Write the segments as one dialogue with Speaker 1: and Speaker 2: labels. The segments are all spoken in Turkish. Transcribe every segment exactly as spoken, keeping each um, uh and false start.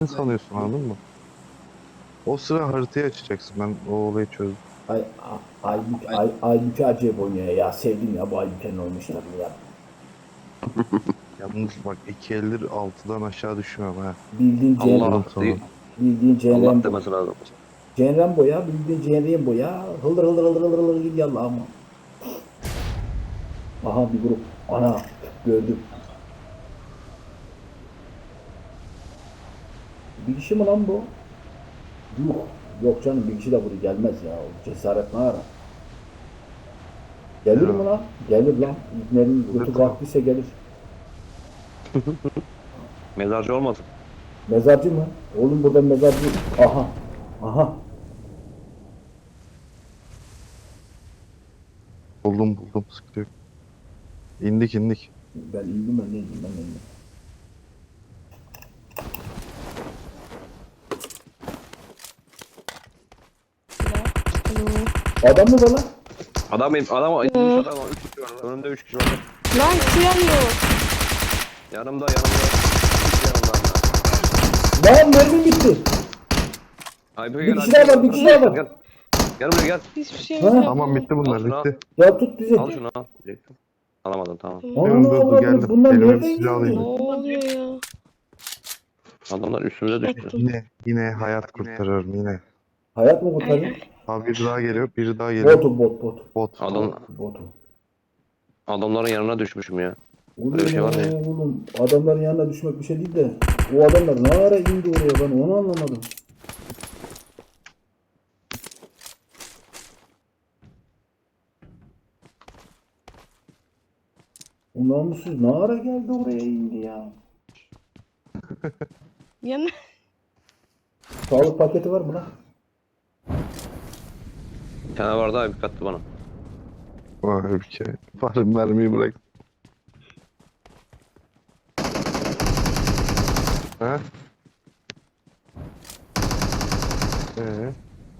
Speaker 1: Ne sanıyorsun, anladın mı? O sıra haritayı açacaksın. Ben o olayı çözdüm.
Speaker 2: Ay, a- Aybük, Ay, Aybük'ü acayip oynuyor ya. Sevdim ya bu Aybük'ün oynamışlarını ya.
Speaker 1: Yalnız bak, iki eldir altıdan aşağı düşmem ha.
Speaker 2: Bildiğin Cem,
Speaker 1: Diyorum
Speaker 3: Allah
Speaker 1: sana.
Speaker 3: değil.
Speaker 2: bildiğin Cem
Speaker 3: Allah
Speaker 2: Rambo.
Speaker 3: demesi lazım.
Speaker 2: Cem Rambo ya, bildiğin Cem Rambo ya. Hıldır hıldır hıldır hıldır hıldır gidiyor Allah'ım. Aha bir grup. Ana gördüm. Bir kişi mi lan bu? Yok. Yok canım bir kişi de buraya gelmez ya. O cesaret ne ara? Gelir mi lan? Gelir lan. İbnenin götü
Speaker 1: Gelir.
Speaker 2: kalktıysa gelir.
Speaker 3: Mezarcı olmasın.
Speaker 2: Mezarcı mı? Oğlum burada mezarcı. Aha. Aha.
Speaker 1: Buldum buldum, sıkıntı yok. İndik indik.
Speaker 2: Ben indim ben neydim ben indim. Adam mı bana?
Speaker 3: Adam benim, adam inmiş adam. Üç kişi var. Önümde üç kişi var.
Speaker 4: Lan kıyamıyor.
Speaker 3: Yanımda, yanımda. Üç yanımda.
Speaker 2: Lan mermim bitti.
Speaker 3: Ay,
Speaker 2: Bir kişi daha var, bir kişi daha var.
Speaker 3: Gel. Gel buraya gel.
Speaker 4: Hiçbir şey
Speaker 2: Ha?
Speaker 4: yok.
Speaker 1: Tamam, bitti bunlar,
Speaker 3: Al şunu,
Speaker 1: bitti.
Speaker 2: Ya tut bizi.
Speaker 3: Al şunu al. Diyecektim. Alamadım, tamam.
Speaker 2: Onu
Speaker 1: Dur, dur, dur,
Speaker 2: avradım.
Speaker 1: geldim.
Speaker 2: Bunlar
Speaker 1: Elime bir
Speaker 2: nereden
Speaker 1: silah
Speaker 2: geldi?
Speaker 1: alayım.
Speaker 4: Ne oluyor ya?
Speaker 3: Adamlar üstümüze düştü.
Speaker 1: Yine yine hayat kurtarıyorum yine.
Speaker 2: Hayat mı
Speaker 4: Ay,
Speaker 2: kurtarıyor?
Speaker 4: ay.
Speaker 1: Abi biri daha geliyor, biri daha geliyor.
Speaker 2: Botu bot bot.
Speaker 1: Bot.
Speaker 3: Adam,
Speaker 2: Botu.
Speaker 3: adamların yanına düşmüşüm ya.
Speaker 2: Oğlum,
Speaker 3: Böyle bir şey var ya.
Speaker 2: oğlum adamların yanına düşmek bir şey değil de o adamlar ne ara indi oraya ben onu anlamadım. O namussuz ne ara geldi oraya indi ya.
Speaker 4: Yana.
Speaker 2: Sağlık paketi var mı lan?
Speaker 3: Bir tane vardı abi, bir kattı bana.
Speaker 1: Vay bir şey. Bari mermiyi bırak. Ha? Ee?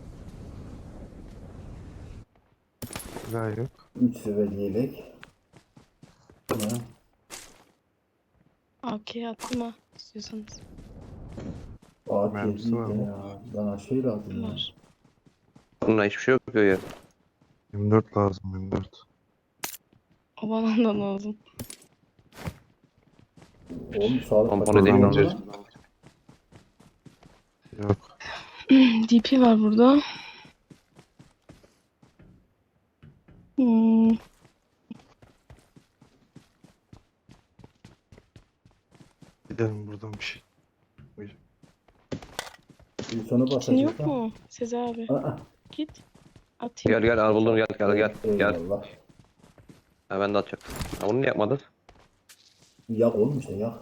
Speaker 1: Silah yok.
Speaker 2: üç seviye yelek. Ha.
Speaker 4: Okey attım ha. İstiyorsanız.
Speaker 2: Ağaç
Speaker 1: Mermisi
Speaker 2: yedi
Speaker 1: var mı?
Speaker 2: ya. Bana şey lazım ya.
Speaker 4: Var.
Speaker 3: Bununla hiçbir şey yok ya.
Speaker 1: yirmi dört lazım, yirmi dört.
Speaker 4: O bana da lazım.
Speaker 2: Oğlum sağlık
Speaker 3: Tampon
Speaker 2: paketi
Speaker 3: edeyim
Speaker 2: var
Speaker 3: ben.
Speaker 2: mı lan?
Speaker 1: Yok.
Speaker 4: D P var burada. Hmm.
Speaker 1: Gidelim buradan bir şey.
Speaker 2: Bir sona
Speaker 4: Kitin
Speaker 2: basacağız
Speaker 4: yok
Speaker 2: ha.
Speaker 4: mu? Sezi abi.
Speaker 2: Aa,
Speaker 4: Git. Atayım.
Speaker 3: Gel gel al buldum, gel gel gel. Gel.
Speaker 2: eyvallah.
Speaker 3: Ha, ben de atacaktım. Ha, bunu niye yapmadın?
Speaker 2: Yak oğlum işte yak.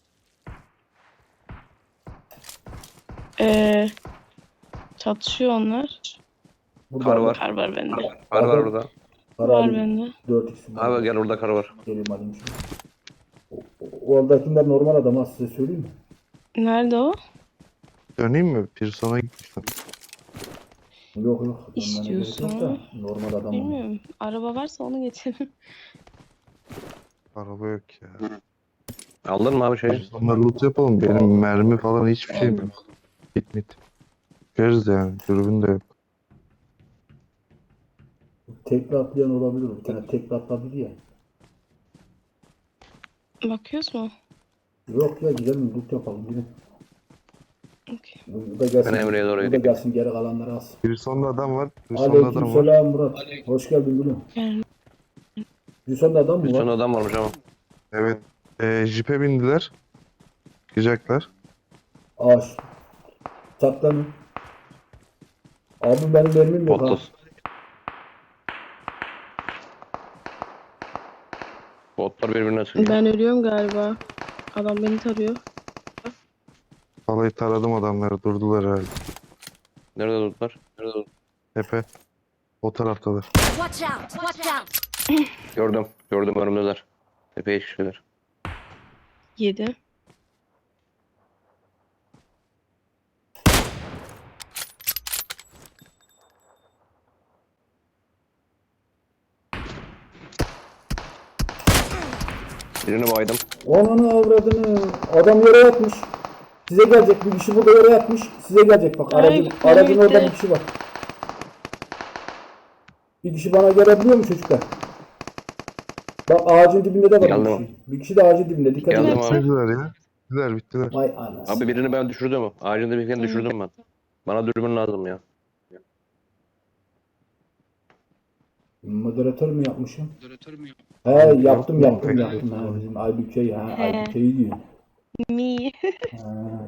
Speaker 4: Ee, çatışıyor onlar.
Speaker 2: Burada
Speaker 3: Kar var.
Speaker 4: Kar var bende.
Speaker 3: Var var burada.
Speaker 2: Kar
Speaker 4: Var
Speaker 2: alayım.
Speaker 4: bende.
Speaker 2: dört x
Speaker 3: Abi gel, orada kar var.
Speaker 2: Geleyim alayım şunu. O- o- Oradakiler normal adam ha size söyleyeyim mi?
Speaker 4: Nerede o?
Speaker 1: Döneyim mi? Pearson'a gitmiştim.
Speaker 2: Yok yok. onlara
Speaker 4: İstiyorsan.
Speaker 2: gerek yok da, Normal adam. o.
Speaker 4: Bilmiyorum. Araba varsa onu getirin.
Speaker 1: Araba yok ya.
Speaker 3: Aldın mı abi şeyi?
Speaker 1: Pearson'la loot yapalım. Benim mermi falan hiçbir şey yok. Git mit. Görürüz yani. Dürbün de yok.
Speaker 2: Tekli atlayan olabilir. Bir tane tekli atladı ya.
Speaker 4: Bakıyoruz mu?
Speaker 2: Yok ya gidelim loot yapalım. Gidin.
Speaker 4: Okey.
Speaker 2: Bu da gelsin.
Speaker 3: Ben Emre'ye doğru
Speaker 2: Bu da
Speaker 3: gideyim.
Speaker 2: gelsin geri kalanları alsın.
Speaker 1: Pearson'da adam var. Pearson'da adam var.
Speaker 2: Aleykümselam Murat. Hoş geldin gülüm.
Speaker 4: Yani
Speaker 2: Pearson'da adam mı
Speaker 3: Bir
Speaker 2: var?
Speaker 3: tane adam varmış ama.
Speaker 1: Evet. Ee, jipe bindiler. Çıkacaklar.
Speaker 2: Ağaç. Saklanın. Abi benim mermim yok ha.
Speaker 3: Botuz. Botlar birbirine sürüyor.
Speaker 4: ben ölüyorum galiba. Adam beni tarıyor.
Speaker 1: Vallahi taradım adamları. Durdular herhalde.
Speaker 3: Nerede durdular? Nerede durdular?
Speaker 1: Tepe. O taraftalar.
Speaker 5: Watch out! Watch out!
Speaker 3: Gördüm. Gördüm, önümdeler. Tepeye çıkıyorlar.
Speaker 4: Yedi.
Speaker 3: Birini baydım.
Speaker 2: Ananı avradını. Adam yere yatmış. Size gelecek bir kişi burada yere yatmış. Size gelecek bak.
Speaker 4: Ay,
Speaker 2: Aracın, aracın
Speaker 4: nerede?
Speaker 2: orada bir kişi var. Bir kişi bana gelebiliyor mu çocuklar? Bak ağacın dibinde de var bir
Speaker 3: Geldim.
Speaker 2: kişi. Bir kişi de ağacın dibinde. Dikkat
Speaker 3: Geldim
Speaker 2: edin.
Speaker 3: abi.
Speaker 1: Bittiler ya. Bittiler bittiler.
Speaker 2: Vay anasını.
Speaker 3: Abi birini ben düşürdüm. Ağacın dibine düşürdüm ben. Bana dürbün lazım ya.
Speaker 2: Moderatör mü yapmışım? He yaptım yaptım
Speaker 1: Yaptım.
Speaker 2: yaptım. Ha, bizim Aybüke'yi ha
Speaker 4: He.
Speaker 2: Aybüke'yi diyor.
Speaker 4: Mi.
Speaker 2: Ha.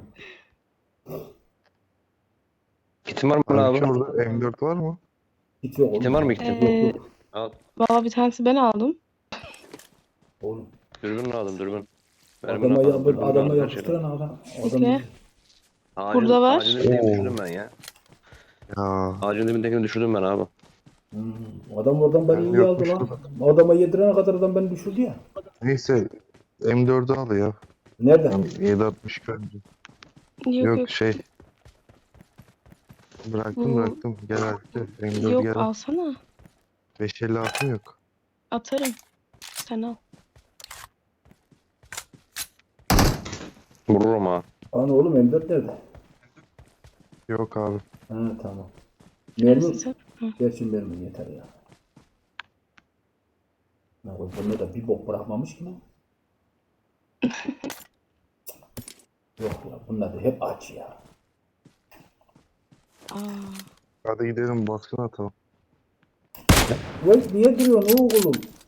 Speaker 3: Kitin var mı
Speaker 1: Abi
Speaker 3: abi?
Speaker 1: orada M dört var mı?
Speaker 2: Hiç yok oğlum.
Speaker 3: Kitin var mı kitin?
Speaker 4: Ee,
Speaker 2: Yok yok.
Speaker 3: Al.
Speaker 4: Valla bir tanesi ben aldım.
Speaker 2: Oğlum.
Speaker 3: Dürbün lazım dürbün. Mermi
Speaker 2: Adama,
Speaker 3: lazım,
Speaker 2: yap,
Speaker 3: dürbün
Speaker 2: adama
Speaker 3: lazım,
Speaker 2: yapıştıran adam. adam
Speaker 4: Bekle.
Speaker 3: Ağacın,
Speaker 4: Burada var.
Speaker 3: Ağacın dibindekini
Speaker 1: Oo.
Speaker 3: düşürdüm ben ya.
Speaker 1: Ya.
Speaker 3: Ağacın dibindekini düşürdüm ben abi.
Speaker 2: Hmm, adam oradan beni
Speaker 1: Ben
Speaker 2: iyi aldı
Speaker 1: yapmıştım.
Speaker 2: lan. Adama yedirene kadar adam beni düşürdü ya.
Speaker 1: Neyse M dördü al ya.
Speaker 2: Nereden?
Speaker 1: yedi altmış bence.
Speaker 4: Yok
Speaker 1: Yok,
Speaker 4: yok.
Speaker 1: şey. Bıraktım
Speaker 4: Bu-
Speaker 1: bıraktım. Gel artık. M dört
Speaker 4: Yok
Speaker 1: gel.
Speaker 4: alsana.
Speaker 1: beş elli altı yok.
Speaker 4: Atarım. Sen al.
Speaker 3: Vururum ha.
Speaker 2: Ana oğlum M dört nerede?
Speaker 1: Yok abi.
Speaker 2: Ha tamam.
Speaker 4: Neresin
Speaker 2: Mermi.
Speaker 4: sen? Hı.
Speaker 2: Gerçi mermi yeter ya. Ya bunda da bir bok bırakmamış ki lan. Yok ya bunlar da hep aç ya.
Speaker 4: Aa,
Speaker 1: Hadi gidelim baskın atalım.
Speaker 2: Vay niye duruyorsun oğlum?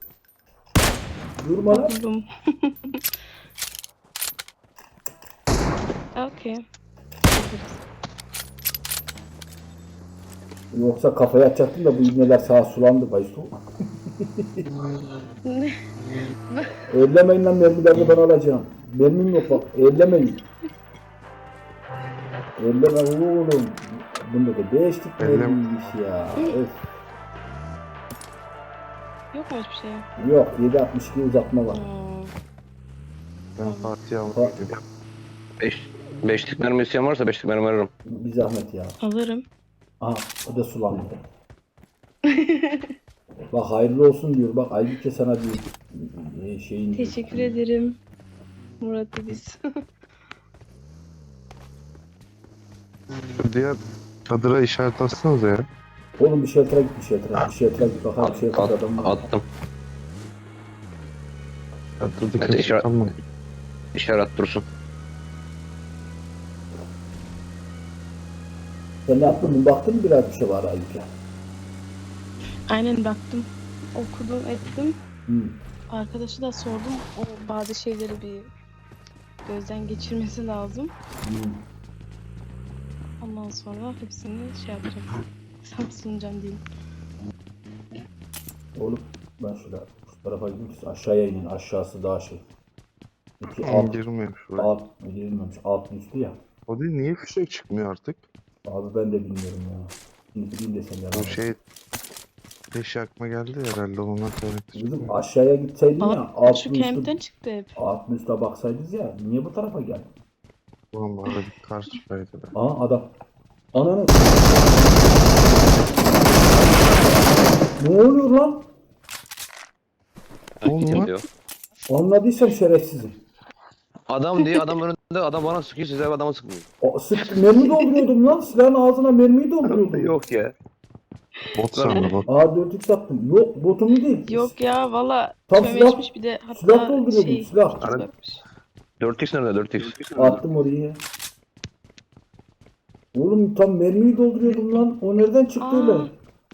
Speaker 2: Durma lan.
Speaker 4: buldum. Okey.
Speaker 2: Yoksa kafaya atacaktım da bu ibneler sağa sulandı Baysu.
Speaker 4: Ne?
Speaker 2: Ellemeyin lan mermilerini ben alacağım. Mermim yok bak ellemeyin. Elleme oğlum. Bunda da beşlik
Speaker 1: Ellem-
Speaker 2: mermiymiş ya. Öf.
Speaker 4: Yok mu hiçbir şey?
Speaker 2: Yok yedi altmış iki uzatma var.
Speaker 4: Aa,
Speaker 1: Ben Fatih'i
Speaker 2: Fa-
Speaker 1: almaya gidiyorum.
Speaker 3: Beş, beşlik mermi isteyen varsa beşlik mermi veririm.
Speaker 2: Bir zahmet ya.
Speaker 4: alırım.
Speaker 2: Aha o da sulandı. Bak hayırlı olsun diyor. Bak Aybüke sana diyor. e, Şeyin
Speaker 4: Teşekkür ederim. Murat biz.
Speaker 1: Şu diğer çadıra işaret atsanıza ya.
Speaker 2: Oğlum bir shelter'a git bir shelter'a. Bir shelter'a git bakalım bir
Speaker 3: At,
Speaker 2: shelter'da
Speaker 3: at,
Speaker 2: adam var.
Speaker 3: attım.
Speaker 1: Çadırda
Speaker 3: Evet,
Speaker 1: kimse
Speaker 3: işaret-
Speaker 1: kalmadı.
Speaker 3: İşaret dursun.
Speaker 2: Sen ne yaptın? Baktın mı biraz bir şey var Aybüke?
Speaker 4: Aynen baktım. Okudum ettim.
Speaker 2: Hmm.
Speaker 4: Arkadaşı da sordum. O bazı şeyleri bir gözden geçirmesi lazım.
Speaker 2: Hmm.
Speaker 4: Ondan sonra hepsini şey yapacağım. Sana sunacağım diyeyim.
Speaker 2: Oğlum ben şöyle şu tarafa gideyim siz aşağıya inin. Aşağısı daha şey. İki
Speaker 1: Alt.
Speaker 2: alt,
Speaker 1: Girmiyor şuraya.
Speaker 2: alt girilmemiş. Alt üstü ya.
Speaker 1: O değil niye fişek çıkmıyor artık?
Speaker 2: Abi ben de bilmiyorum ya. Şimdi bileyim desem ya.
Speaker 1: Bu şey Beş yakma geldi herhalde ondan kaynaklı.
Speaker 2: Bizim aşağıya gitseydin ya.
Speaker 4: Aa,
Speaker 2: Alt
Speaker 4: şu
Speaker 2: üstü,
Speaker 4: camp'ten çıktı hep.
Speaker 2: alt üstte baksaydınız ya. Niye bu tarafa geldin?
Speaker 1: Vallahi bir kar çıkaydı da.
Speaker 2: Aha adam. Ananı. Ne oluyor lan?
Speaker 1: Ne oldu
Speaker 3: Kim
Speaker 1: lan?
Speaker 3: diyor?
Speaker 2: Anladıysam şerefsizim.
Speaker 3: Adam diye adam önünde adam bana sıkıyor size adama sıkmıyor.
Speaker 2: O, sık, mermi dolduruyordum lan. Silahın ağzına mermiyi dolduruyordum.
Speaker 3: Yok ya.
Speaker 1: Bot sandı bot.
Speaker 2: Aa dört x attım. Yok botumu değil.
Speaker 4: Yok ya valla
Speaker 2: Tam
Speaker 4: çömeşmiş bir de
Speaker 2: silah
Speaker 4: hatta
Speaker 2: dolduruyordum,
Speaker 4: şey
Speaker 2: silah.
Speaker 4: ikiz bakmış.
Speaker 3: dört x nerede dört x?
Speaker 2: Attım oraya. Oğlum tam mermiyi dolduruyordum lan. O nereden çıktı
Speaker 4: Aa.
Speaker 2: öyle?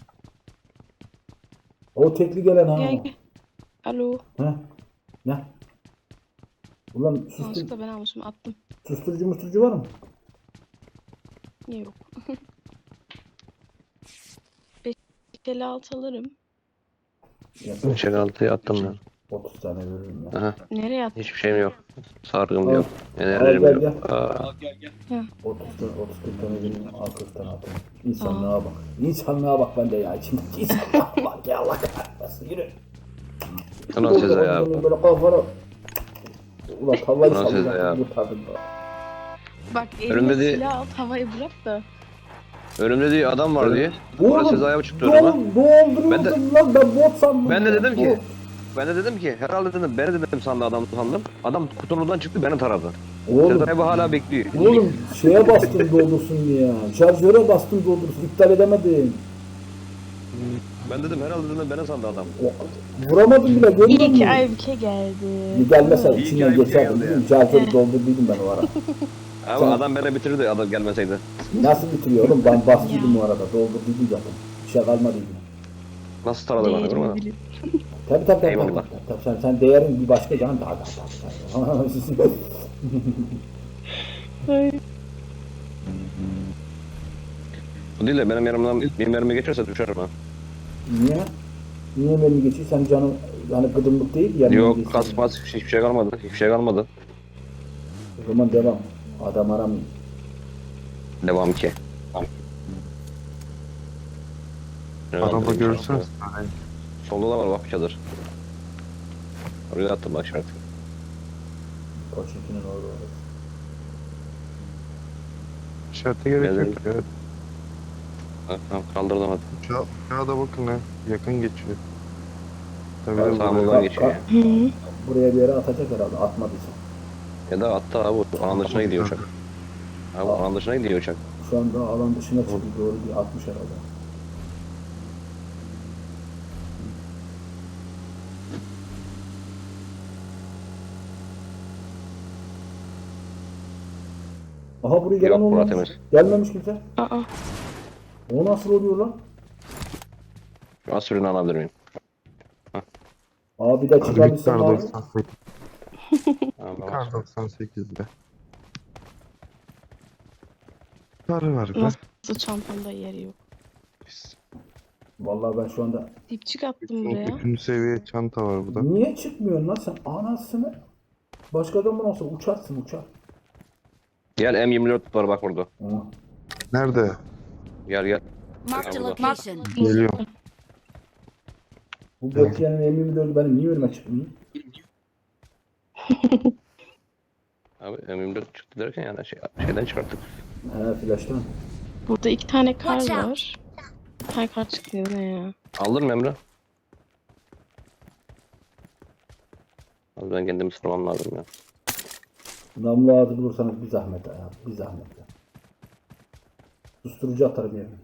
Speaker 2: O tekli gelen ha.
Speaker 4: Gel gel. Alo.
Speaker 2: Heh. Ne? Ulan sustur,
Speaker 4: Yanlışlıkla ben almışım attım.
Speaker 2: susturucu musturucu var mı?
Speaker 4: Yok. beş elli altı alırım.
Speaker 2: Ya,
Speaker 3: Çek altıyı attım ben.
Speaker 2: otuz tane veririm ya.
Speaker 3: Aha.
Speaker 4: Nereye attın?
Speaker 3: Hiçbir şeyim yok. Sargım
Speaker 2: Al.
Speaker 3: yok.
Speaker 2: Al,
Speaker 3: Enerjim
Speaker 2: gel,
Speaker 3: yok. Aa,
Speaker 2: otuz tane, otuz kırk tane veririm. Al kırk tane atayım. İnsanlığa bak. İnsanlığa bak bende ya. İçimdeki insanlığa bak ya Allah kahretmesin. Yürü.
Speaker 3: Ulan size ya.
Speaker 2: Böyle kafana. Ulan tavlayı
Speaker 3: Ulan size ya.
Speaker 2: sallayacaktım kurtardım da.
Speaker 4: Bak
Speaker 3: Önümde
Speaker 4: eline
Speaker 3: de-
Speaker 4: silah al havayı bırak da.
Speaker 3: Önümde diye adam var diye.
Speaker 2: Oğlum,
Speaker 3: Orası Sezai'ye çıktı önüme.
Speaker 2: Dol, dolduruyordum
Speaker 3: Ben de-
Speaker 2: lan ben bot sandım.
Speaker 3: Ben de
Speaker 2: ya,
Speaker 3: dedim ki
Speaker 2: bot.
Speaker 3: ben de dedim ki herhalde dedim beni dedim sandı adam sandım. Adam kutunun oradan çıktı beni taradı.
Speaker 2: Oğlum,
Speaker 3: Sezer abi hala bekliyor.
Speaker 2: oğlum şeye bastım doldursun diye. Şarjöre bastım doldursun. İptal edemedim.
Speaker 3: Ben dedim herhalde dedim bana sandı adam.
Speaker 2: O- Vuramadım bile görmüyor
Speaker 4: İyi ki
Speaker 2: musun?
Speaker 4: Aybüke geldi.
Speaker 2: Gelmese
Speaker 3: İyi ki
Speaker 2: içinden
Speaker 3: Aybüke
Speaker 2: geçerdim.
Speaker 3: geldi
Speaker 2: Dedim, şarjörü doldurduydum ben o ara.
Speaker 3: Abi
Speaker 2: Sen-
Speaker 3: adam bana bitirdi adam gelmeseydi.
Speaker 2: Nasıl bitiriyor oğlum? Ben bastıydım o arada. Doldurduydum zaten. Bir şey kalmadıydı.
Speaker 3: Nasıl taradı bana görmedin mi?
Speaker 4: Değerimi bilip.
Speaker 2: Tabii tabii tabii.
Speaker 3: Eyvallah.
Speaker 2: tabii, tabii. Sen, sen değerin bir başka canım. Daha daha daha.
Speaker 4: Ay,
Speaker 3: Bu değil de benim yanımdan bir mermi geçerse düşerim ha.
Speaker 2: Niye? Niye beni geçiyor? Sen canın hani gıdımlık değil ya.
Speaker 3: Yok kasmaz hiçbir şey kalmadı. Hiçbir şey kalmadı.
Speaker 2: O zaman devam. Adam aramayın.
Speaker 3: Devam ki.
Speaker 1: Araba görürseniz.
Speaker 3: Solda da var bak bir çadır. Oraya attım bak şart.
Speaker 2: Koçinkinin orada orası.
Speaker 1: İşarete gerek
Speaker 3: Geldim.
Speaker 1: yok ya.
Speaker 3: Tamam kaldırdım hadi.
Speaker 1: Uçağa, uçağa da bakın ha. Yakın geçiyor. Tabii
Speaker 3: Sağ
Speaker 1: de
Speaker 3: sağ
Speaker 1: buraya-
Speaker 3: buradan geçiyor ya.
Speaker 4: Hı.
Speaker 2: Buraya bir yere atacak herhalde. Atmadıysa.
Speaker 3: Ya da attı abi alan dışına gidiyor uçak. Abi alan dışına gidiyor uçak.
Speaker 2: Şu anda alan dışına çıktı. Doğru bir atmış herhalde. Aha buraya gelen
Speaker 3: Yok, bura
Speaker 2: olmamış.
Speaker 3: temiz.
Speaker 2: Gelmemiş kimse.
Speaker 4: Aa,
Speaker 2: O nasıl oluyor lan?
Speaker 3: Şu an sürünü alabilir miyim?
Speaker 2: Abi de
Speaker 1: Hadi bir
Speaker 2: çıkabilsem
Speaker 1: kar
Speaker 2: abi.
Speaker 1: doksan sekiz.
Speaker 3: Tamam,
Speaker 1: Bir
Speaker 3: tamam.
Speaker 1: kar doksan sekizde. Karı var be.
Speaker 4: nasıl çantamda yeri yok.
Speaker 1: Biz-
Speaker 2: Vallahi ben şu anda...
Speaker 4: Dipçik attım buraya.
Speaker 1: Üçüncü seviye çanta var burada.
Speaker 2: Niye çıkmıyorsun lan sen? Anasını. Başka adam mı olsa uçarsın uçar.
Speaker 3: Gel M yirmi dört var bak burada.
Speaker 2: Aha.
Speaker 1: Nerede?
Speaker 3: Gel gel.
Speaker 5: Marked a
Speaker 3: Allah.
Speaker 5: location.
Speaker 1: Geliyorum.
Speaker 2: Bu Bökyen'in M yirmi dördü benim niye önüme çıkmıyor?
Speaker 3: Abi M yirmi dört çıktı derken yani şey, şeyden çıkarttık.
Speaker 2: He flash'tan.
Speaker 4: Burada iki tane kar
Speaker 5: Watch out.
Speaker 4: var. Hay kar çıkıyor ne ya?
Speaker 3: Aldın mı Emre? Abi ben kendimi sırmam lazım ya.
Speaker 2: Namlu ağzı bulursanız bir zahmet ya. Bir zahmet ya. Susturucu atarım yerine.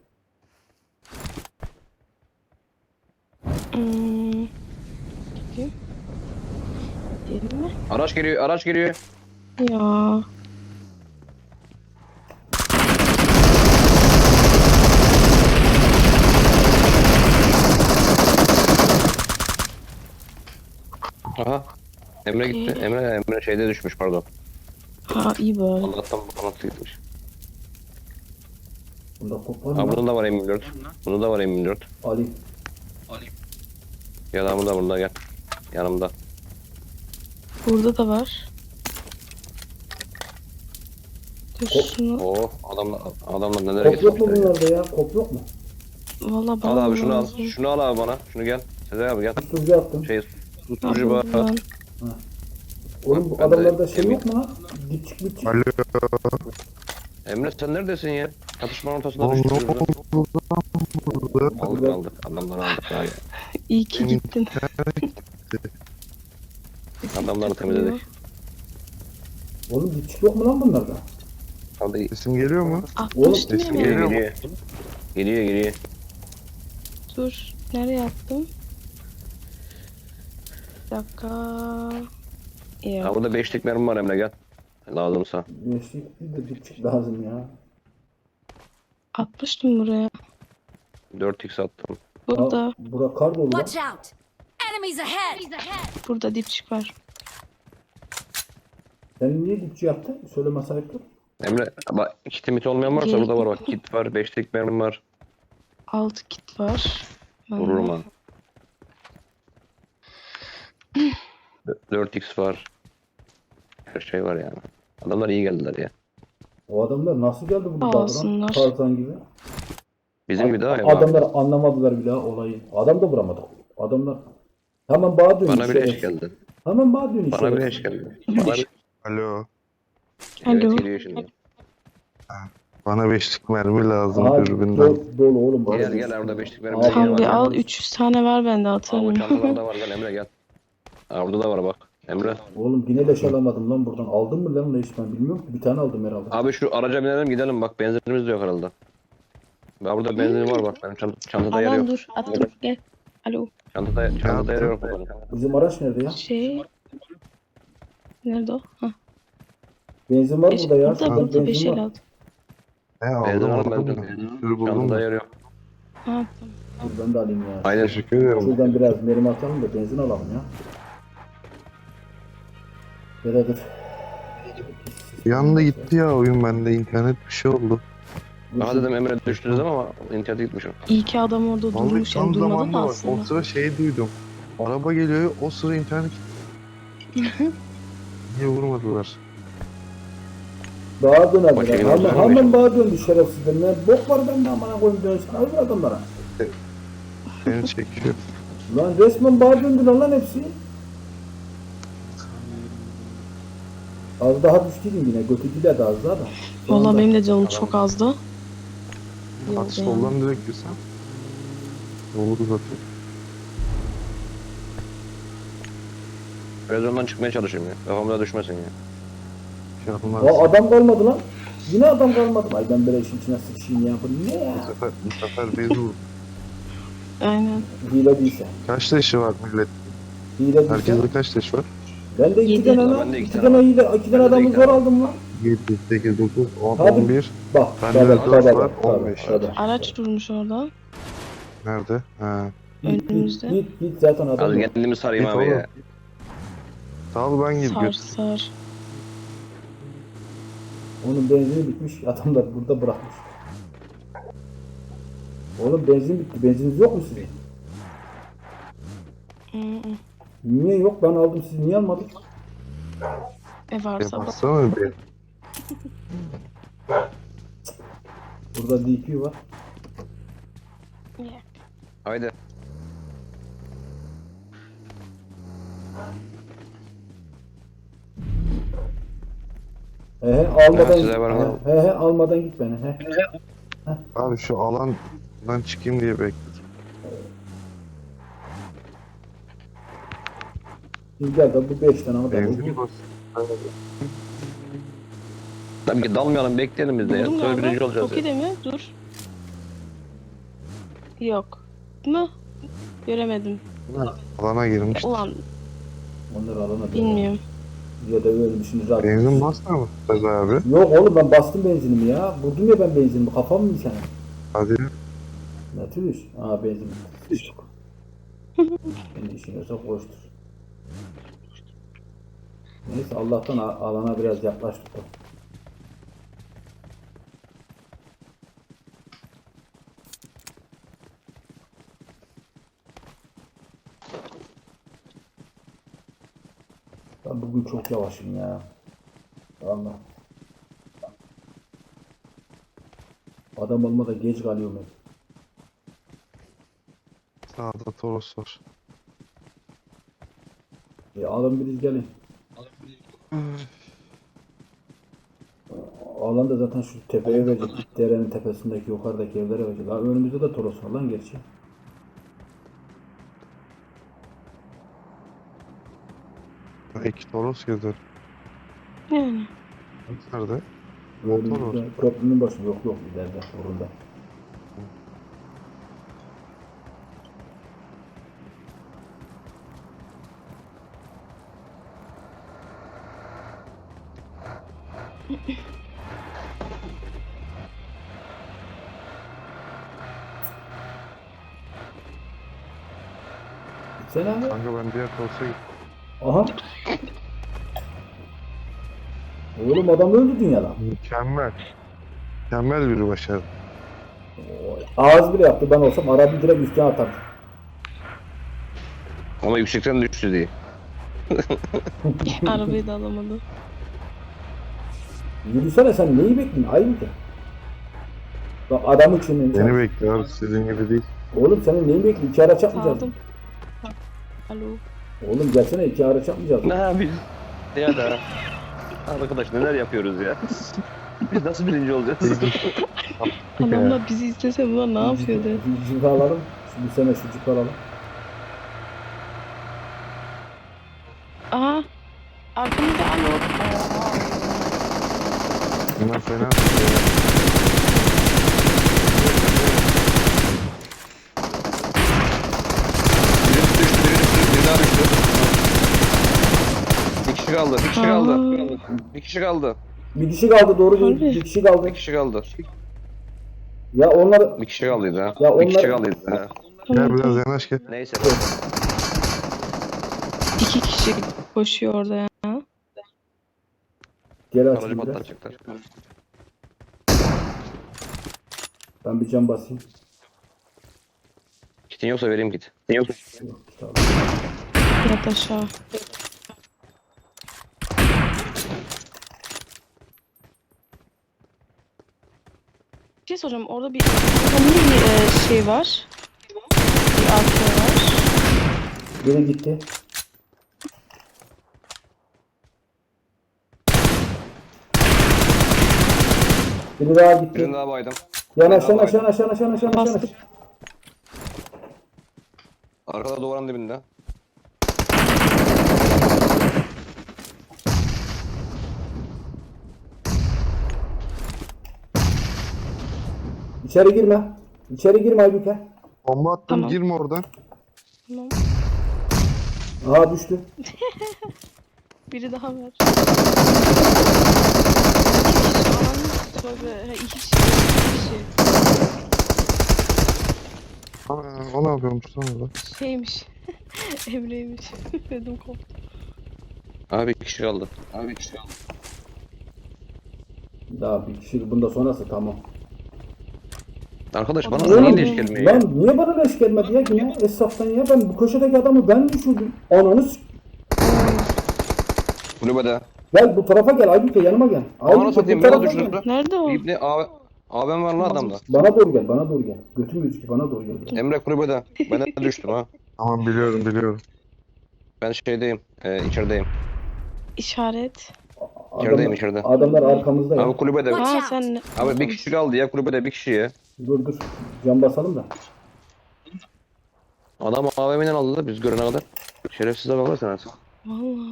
Speaker 4: Hmm. Bakayım. Diyelim mi?
Speaker 3: Araç geliyor araç geliyor.
Speaker 4: Ya.
Speaker 3: Aha. Emre gitti.
Speaker 4: Okey.
Speaker 3: Emre Emre şeyde düşmüş pardon.
Speaker 4: Ha iyi bari.
Speaker 3: Allah'tan bu kanatlı gitmiş.
Speaker 2: Bunda kopar
Speaker 3: Ha
Speaker 2: mı?
Speaker 3: bunun da var M yirmi dört. Bunun da var M yirmi dört.
Speaker 2: Ali.
Speaker 3: Gel abi burada burada gel. Yanımda.
Speaker 4: Burada da var. Dur şunu.
Speaker 3: Oo adamlar adamlar nelere
Speaker 2: Kop yok mu
Speaker 3: getirmişler ya.
Speaker 2: bunlarda ya? Kop yok mu?
Speaker 4: Valla bana
Speaker 3: Al abi şunu al.
Speaker 4: lazım.
Speaker 3: Şunu al abi bana. Şunu gel. Sezer abi gel.
Speaker 2: Susturucu attım.
Speaker 3: Şey
Speaker 4: Ha,
Speaker 3: susturucu var.
Speaker 4: buradan.
Speaker 2: Oğlum bu
Speaker 3: ben de
Speaker 2: adamlarda şey
Speaker 3: emin-
Speaker 2: yok mu lan? Dipçik dipçik.
Speaker 1: Alo.
Speaker 3: Emre sen neredesin ya? Çatışmanın ortasında
Speaker 1: Oğlum
Speaker 3: düştük.
Speaker 1: ne
Speaker 3: şurada.
Speaker 1: oldu burada?
Speaker 3: Aldık aldık. Adamları aldık. Ya.
Speaker 4: İyi ki gittin.
Speaker 3: Adamları temizledik.
Speaker 2: Oğlum dipçik yok mu lan bunlarda?
Speaker 3: Hadi
Speaker 1: Sesim geliyor mu?
Speaker 4: Atmıştım
Speaker 2: Oğlum,
Speaker 4: ya.
Speaker 3: geliyor
Speaker 4: ben.
Speaker 3: geliyor. Geliyor geliyor.
Speaker 4: Dur. Nereye attım? Bir dakika. Ya.
Speaker 3: Ha burada beşlik mermi var Emre gel. Lazımsa.
Speaker 2: Beşlik bir de dipçik lazım ya.
Speaker 4: Atmıştım buraya.
Speaker 3: dört x attım.
Speaker 4: Burada.
Speaker 2: Ha, bura kar dolu lan.
Speaker 5: Watch out. Enemies ahead.
Speaker 4: Burada dipçik var.
Speaker 2: Sen niye dipçik yaptın? Söyleme sahiptir.
Speaker 3: Emre bak kit mit olmayan varsa
Speaker 4: Gel.
Speaker 3: burada var bak. Kit var, beşlik mermi var.
Speaker 4: Altı kit var. Bende.
Speaker 3: Vururum ha. dört x var. Her şey var yani. Adamlar iyi geldiler ya.
Speaker 2: O adamlar nasıl geldi bu
Speaker 4: Sağ
Speaker 2: dağdan?
Speaker 4: olsunlar.
Speaker 2: Tarzan gibi.
Speaker 3: Bizim gibi daha ya.
Speaker 2: Adamlar anlamadılar bile olayı. Adam da vuramadı. Adamlar hemen bağ dönüyor.
Speaker 3: Bana bir eş geldi.
Speaker 2: Hemen bağ dönüyor.
Speaker 3: Bana bir eş geldi. Bana bir...
Speaker 1: Alo.
Speaker 3: Evet,
Speaker 4: Alo.
Speaker 3: geliyor şimdi.
Speaker 1: Bana beşlik mermi lazım
Speaker 2: Aha,
Speaker 1: dürbünden.
Speaker 2: dolu, dolu oğlum. bana
Speaker 3: Gel
Speaker 2: bir-
Speaker 3: gel orada beşlik mermi
Speaker 2: Al,
Speaker 3: var.
Speaker 4: Tam bir
Speaker 2: var.
Speaker 4: al. üç yüz tane var bende
Speaker 3: Al bu
Speaker 4: atarım.
Speaker 3: çantalarda var gel Emre gel. Ha, orada da var bak. Emre.
Speaker 2: Oğlum yine leş alamadım lan buradan. Aldın mı lan leş ben bilmiyorum ki. Bir tane aldım herhalde.
Speaker 3: Abi şu araca binelim gidelim bak benzinimiz de yok herhalde. Ben burada benzinim var bak benim çant çantada yer
Speaker 4: Alan
Speaker 3: yok.
Speaker 4: dur. Attım. Gel. Alo.
Speaker 3: Çantada, çantada yer yok.
Speaker 2: Bizim araç nerede ya?
Speaker 4: Şey. Nerede o? Hah.
Speaker 2: Benzin var
Speaker 4: Beş,
Speaker 2: burada ya.
Speaker 4: burada
Speaker 2: Şurada
Speaker 4: burada beş
Speaker 2: benzin
Speaker 4: el
Speaker 2: var.
Speaker 4: aldım.
Speaker 1: He
Speaker 3: Benzin
Speaker 1: aldım
Speaker 3: aldım
Speaker 1: aldım.
Speaker 3: ben
Speaker 1: da.
Speaker 3: de.
Speaker 1: Bir sürü buldum
Speaker 3: Çantada
Speaker 1: da.
Speaker 3: yer yok.
Speaker 4: Ha, tamam.
Speaker 2: Dur ben de alayım ya.
Speaker 3: Aynen.
Speaker 1: Teşekkür ederim.
Speaker 2: Şuradan biraz mermi atalım da benzin alalım ya. Ya da dur.
Speaker 1: Bir anda gitti ya oyun bende internet bir şey oldu.
Speaker 2: Dur,
Speaker 3: Aha
Speaker 2: şu-
Speaker 3: dedim Emre düştünüz ama internete gitmişim.
Speaker 4: İyi ki adam orada
Speaker 1: Vallahi
Speaker 4: durmuş
Speaker 1: tam
Speaker 4: yani durmadı
Speaker 1: zamanında
Speaker 4: da
Speaker 1: bak. O
Speaker 4: aslında.
Speaker 1: sıra şey duydum. Araba geliyor o sıra internet Niye vurmadılar?
Speaker 2: Bağa dönerler.
Speaker 3: Başka
Speaker 2: Hemen,
Speaker 3: yollar
Speaker 2: hemen
Speaker 3: mı?
Speaker 2: bağa döndü şerefsizler. Ne bok var bende amına koyayım dönsün. Öbür adamlara.
Speaker 1: Beni çekiyor.
Speaker 2: Lan resmen bağa döndüler lan hepsi. Az daha düştüydüm yine. Götürdüler de az daha da. Şu
Speaker 4: Vallahi
Speaker 2: anda-
Speaker 4: benim de canım çok azdı.
Speaker 1: Bak
Speaker 4: Yolda yani.
Speaker 1: soldan direkt girsen. Olur zaten.
Speaker 3: Televizyondan çıkmaya çalışayım ya. Kafamda düşmesin ya.
Speaker 1: Şey yapılmaz.
Speaker 2: Aa, adam kalmadı lan. Yine adam kalmadı. Ay ben böyle işin içine sıçayım ya. Bu ne ya?
Speaker 1: Bu sefer, bu sefer bezi vurdu.
Speaker 4: Aynen.
Speaker 2: Hile değilse.
Speaker 1: Kaç taşı var millet?
Speaker 2: Hile değilse.
Speaker 1: Herkeste kaç taş var?
Speaker 2: Ben de iki
Speaker 4: Yedi.
Speaker 2: tane
Speaker 3: Ben
Speaker 2: lan.
Speaker 3: de iki
Speaker 2: İki
Speaker 3: tane
Speaker 2: tane hile. İki tane
Speaker 3: Ben de
Speaker 2: adamı
Speaker 3: iki
Speaker 2: zor
Speaker 3: tane.
Speaker 2: aldım lan.
Speaker 1: yedi, sekiz, dokuz, on,
Speaker 2: Hadi.
Speaker 1: on bir.
Speaker 2: Bak.
Speaker 1: Bende
Speaker 2: tabii,
Speaker 1: de dört
Speaker 2: tabii,
Speaker 1: var,
Speaker 2: tabii,
Speaker 1: on beş.
Speaker 2: tabii.
Speaker 4: Araç durmuş orada.
Speaker 1: Nerede? Ha.
Speaker 2: Git,
Speaker 4: Önümüzde.
Speaker 2: Git git zaten adam.
Speaker 3: Az
Speaker 2: yok.
Speaker 3: kendimi sarayım
Speaker 1: Git
Speaker 3: abi
Speaker 1: oğlum.
Speaker 3: ya.
Speaker 1: Sağ ol ben gir
Speaker 4: Sar
Speaker 1: gir.
Speaker 4: sar.
Speaker 2: Onun benzini bitmiş. Adamlar burada bırakmış. Oğlum benzin bitti. Benziniz yok mu sizin?
Speaker 4: Hı hı.
Speaker 2: Niye yok? Ben aldım. Siz niye almadınız?
Speaker 4: E
Speaker 1: Ya
Speaker 4: varsa bak.
Speaker 1: baksana bir.
Speaker 2: Burada D P var.
Speaker 4: Yeah.
Speaker 3: Haydi.
Speaker 2: He he almadan
Speaker 3: Ya,
Speaker 2: git.
Speaker 3: size var ama.
Speaker 2: He he, he almadan git beni. He.
Speaker 1: Abi şu alandan çıkayım diye bekledim.
Speaker 2: Şimdi gel de bu beş tane ama ben
Speaker 1: Benzin bas.
Speaker 3: Tabii ki dalmayalım bekleyelim biz de ya.
Speaker 4: Buldum
Speaker 3: Sonra birinci
Speaker 4: galiba.
Speaker 3: olacağız ya.
Speaker 4: Toki'de mi? Dur. Yok. Mu? Göremedim.
Speaker 1: Alana girmiş.
Speaker 4: Ulan
Speaker 2: onları alana
Speaker 4: bilmiyorum.
Speaker 2: Ya da ölmüşsünüz zaten.
Speaker 1: Benzin basma mı Sez abi?
Speaker 2: Yok oğlum ben bastım benzinimi ya. Vurdum ya ben benzinimi. Kafam mı sen?
Speaker 1: Hadi.
Speaker 2: Ne tür iş? Aa benzin. Kendi işin yoksa koştur. Neyse Allah'tan a- alana biraz yaklaştık da. Ben bugün çok yavaşım ya. Allah. Adam olmadan geç kalıyorum hep.
Speaker 1: Sağda Toros var.
Speaker 2: E, alın biriz gelin. Alan da zaten şu tepeye verecek. Derenin tepesindeki yukarıdaki evlere verecek. Ha, önümüzde de Toros var lan gerçi.
Speaker 1: İki Toros gezer.
Speaker 4: Yani.
Speaker 1: Nerede? Motor var.
Speaker 2: Önümüzde köprünün başı yok yok ileride orada. Sen abi.
Speaker 1: Kanka ben diğer Toros'a gittim.
Speaker 2: Aha. Oğlum adam öldü dünyada.
Speaker 1: Mükemmel. Mükemmel bir başarı.
Speaker 2: Ağız bile yaptı ben olsam arabayı direkt üstüne atardım.
Speaker 3: Ama yüksekten düştü diye.
Speaker 4: Arabayı da alamadı.
Speaker 2: Yürüsene sen neyi bekliyorsun? Ayıp ki. Bak adam için
Speaker 1: Beni bekliyor. Sizin gibi değil.
Speaker 2: Oğlum senin neyi bekliyorsun? İki araç yapmayacağız.
Speaker 4: Aldım. Bak. Alo.
Speaker 2: Oğlum gelsene iki araç yapmayacağız.
Speaker 3: Ne yapıyoruz? Ya da. Arkadaş neler yapıyoruz ya? Biz nasıl birinci olacağız?
Speaker 4: Adamlar bizi istese bunlar ne yapıyordu?
Speaker 2: Bir cip alalım. Şimdi bu sene şu cip alalım.
Speaker 4: Aha.
Speaker 1: Fena sıkıyor ya.
Speaker 3: Biri düştü, biri düştü, biri daha düştü. Bir kişi kaldı, bir kişi kaldı.
Speaker 4: Aa.
Speaker 3: Bir kişi kaldı.
Speaker 2: Bir kişi kaldı doğru değil.
Speaker 4: Harbi.
Speaker 2: Bir kişi kaldı.
Speaker 3: Bir kişi kaldı.
Speaker 2: Ya onlar
Speaker 3: Bir kişi kaldıydı ha.
Speaker 2: Ya
Speaker 3: Bir kişi
Speaker 2: onlar-
Speaker 3: kaldıydı ha.
Speaker 1: Gel
Speaker 4: Tamam,
Speaker 1: biraz
Speaker 4: tamam.
Speaker 1: yanaş gel.
Speaker 3: Neyse.
Speaker 4: İki kişi koşuyor orada ya.
Speaker 2: geri
Speaker 3: Aracı
Speaker 2: açayım biraz.
Speaker 3: patlatacaklar.
Speaker 2: Ben bir cam basayım.
Speaker 3: Kitin yoksa vereyim git. Kitin yoksa.
Speaker 2: Yok, tamam.
Speaker 4: Yat aşağı. Bir şey soracağım. Orada bir orada niye bir e, şey var? Bir arka var.
Speaker 2: Biri gitti. Biri daha gitti.
Speaker 3: Birini daha baydım.
Speaker 2: Yanaş yanaş yanaş yanaş yanaş yanaş yanaş.
Speaker 4: Bastık.
Speaker 3: Arkada duvarın dibinde.
Speaker 2: İçeri girme. İçeri girme Aybüke.
Speaker 1: Bomba attım
Speaker 4: Tamam.
Speaker 1: girme oradan.
Speaker 4: Tamam.
Speaker 2: Aha düştü.
Speaker 4: Biri daha var. İki kişi. Aman tövbe. Ha, iki kişi. İki kişi.
Speaker 1: Aa, o ne yapıyormuş lan orada?
Speaker 4: Şeymiş. Emre'ymiş. Dedim koptu.
Speaker 3: Abi bir kişi kaldı. Abi bir kişi kaldı.
Speaker 2: Daha bir kişi bunda sonrası tamam.
Speaker 3: Arkadaş bana
Speaker 2: Oğlum,
Speaker 3: niye leş gelmiyor ya?
Speaker 2: Lan niye bana leş gelmedi ya yine esnaftan ya ben bu köşedeki adamı ben düşürdüm. Ananı s-
Speaker 3: Kulübede.
Speaker 2: Gel bu tarafa gel Aybüke yanıma gel.
Speaker 3: Bana
Speaker 2: Aybüke
Speaker 3: satayım
Speaker 2: bu
Speaker 3: bana
Speaker 2: tarafa
Speaker 3: düşürdü.
Speaker 2: gel.
Speaker 4: Nerede o?
Speaker 3: İbni abi. Abim var lan adamda.
Speaker 2: Bana doğru gel bana doğru gel. Götüm gözüküyor bana doğru gel.
Speaker 3: Emre kulübede. Ben de düştüm ha.
Speaker 1: Tamam biliyorum biliyorum.
Speaker 3: Ben şeydeyim. E, içerideyim.
Speaker 4: İşaret.
Speaker 3: İçerideyim içeride.
Speaker 2: Adamlar arkamızda ya.
Speaker 3: Abi kulübede.
Speaker 4: Ha sen ne?
Speaker 3: Abi bir kişi kaldı ya kulübede bir kişi ya.
Speaker 2: Dur dur. Cam basalım da.
Speaker 3: Adam A V M'den aldı da biz görene kadar. Şerefsize bakarsın artık.
Speaker 4: Valla.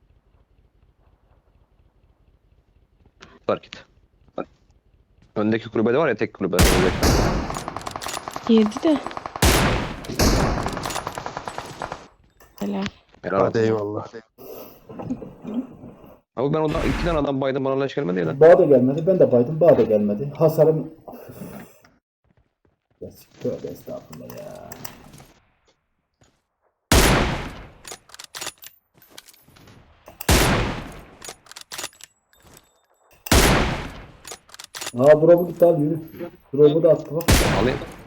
Speaker 3: Fark et. Öndeki kulübede var ya tek kulübe. Öndeki.
Speaker 4: Yedi de. Helal.
Speaker 3: Helal
Speaker 1: Hadi
Speaker 3: olsun.
Speaker 1: eyvallah.
Speaker 3: Abi ben ondan iki tane adam baydım bana leş gelmedi ya lan.
Speaker 2: Bağ da gelmedi. Ben de baydım. Bağ da gelmedi. Hasarım... Ya tövbe estağfurullah ya. Aa drop'u gitti al yürü. Drop'u da attı bak.
Speaker 3: Alayım.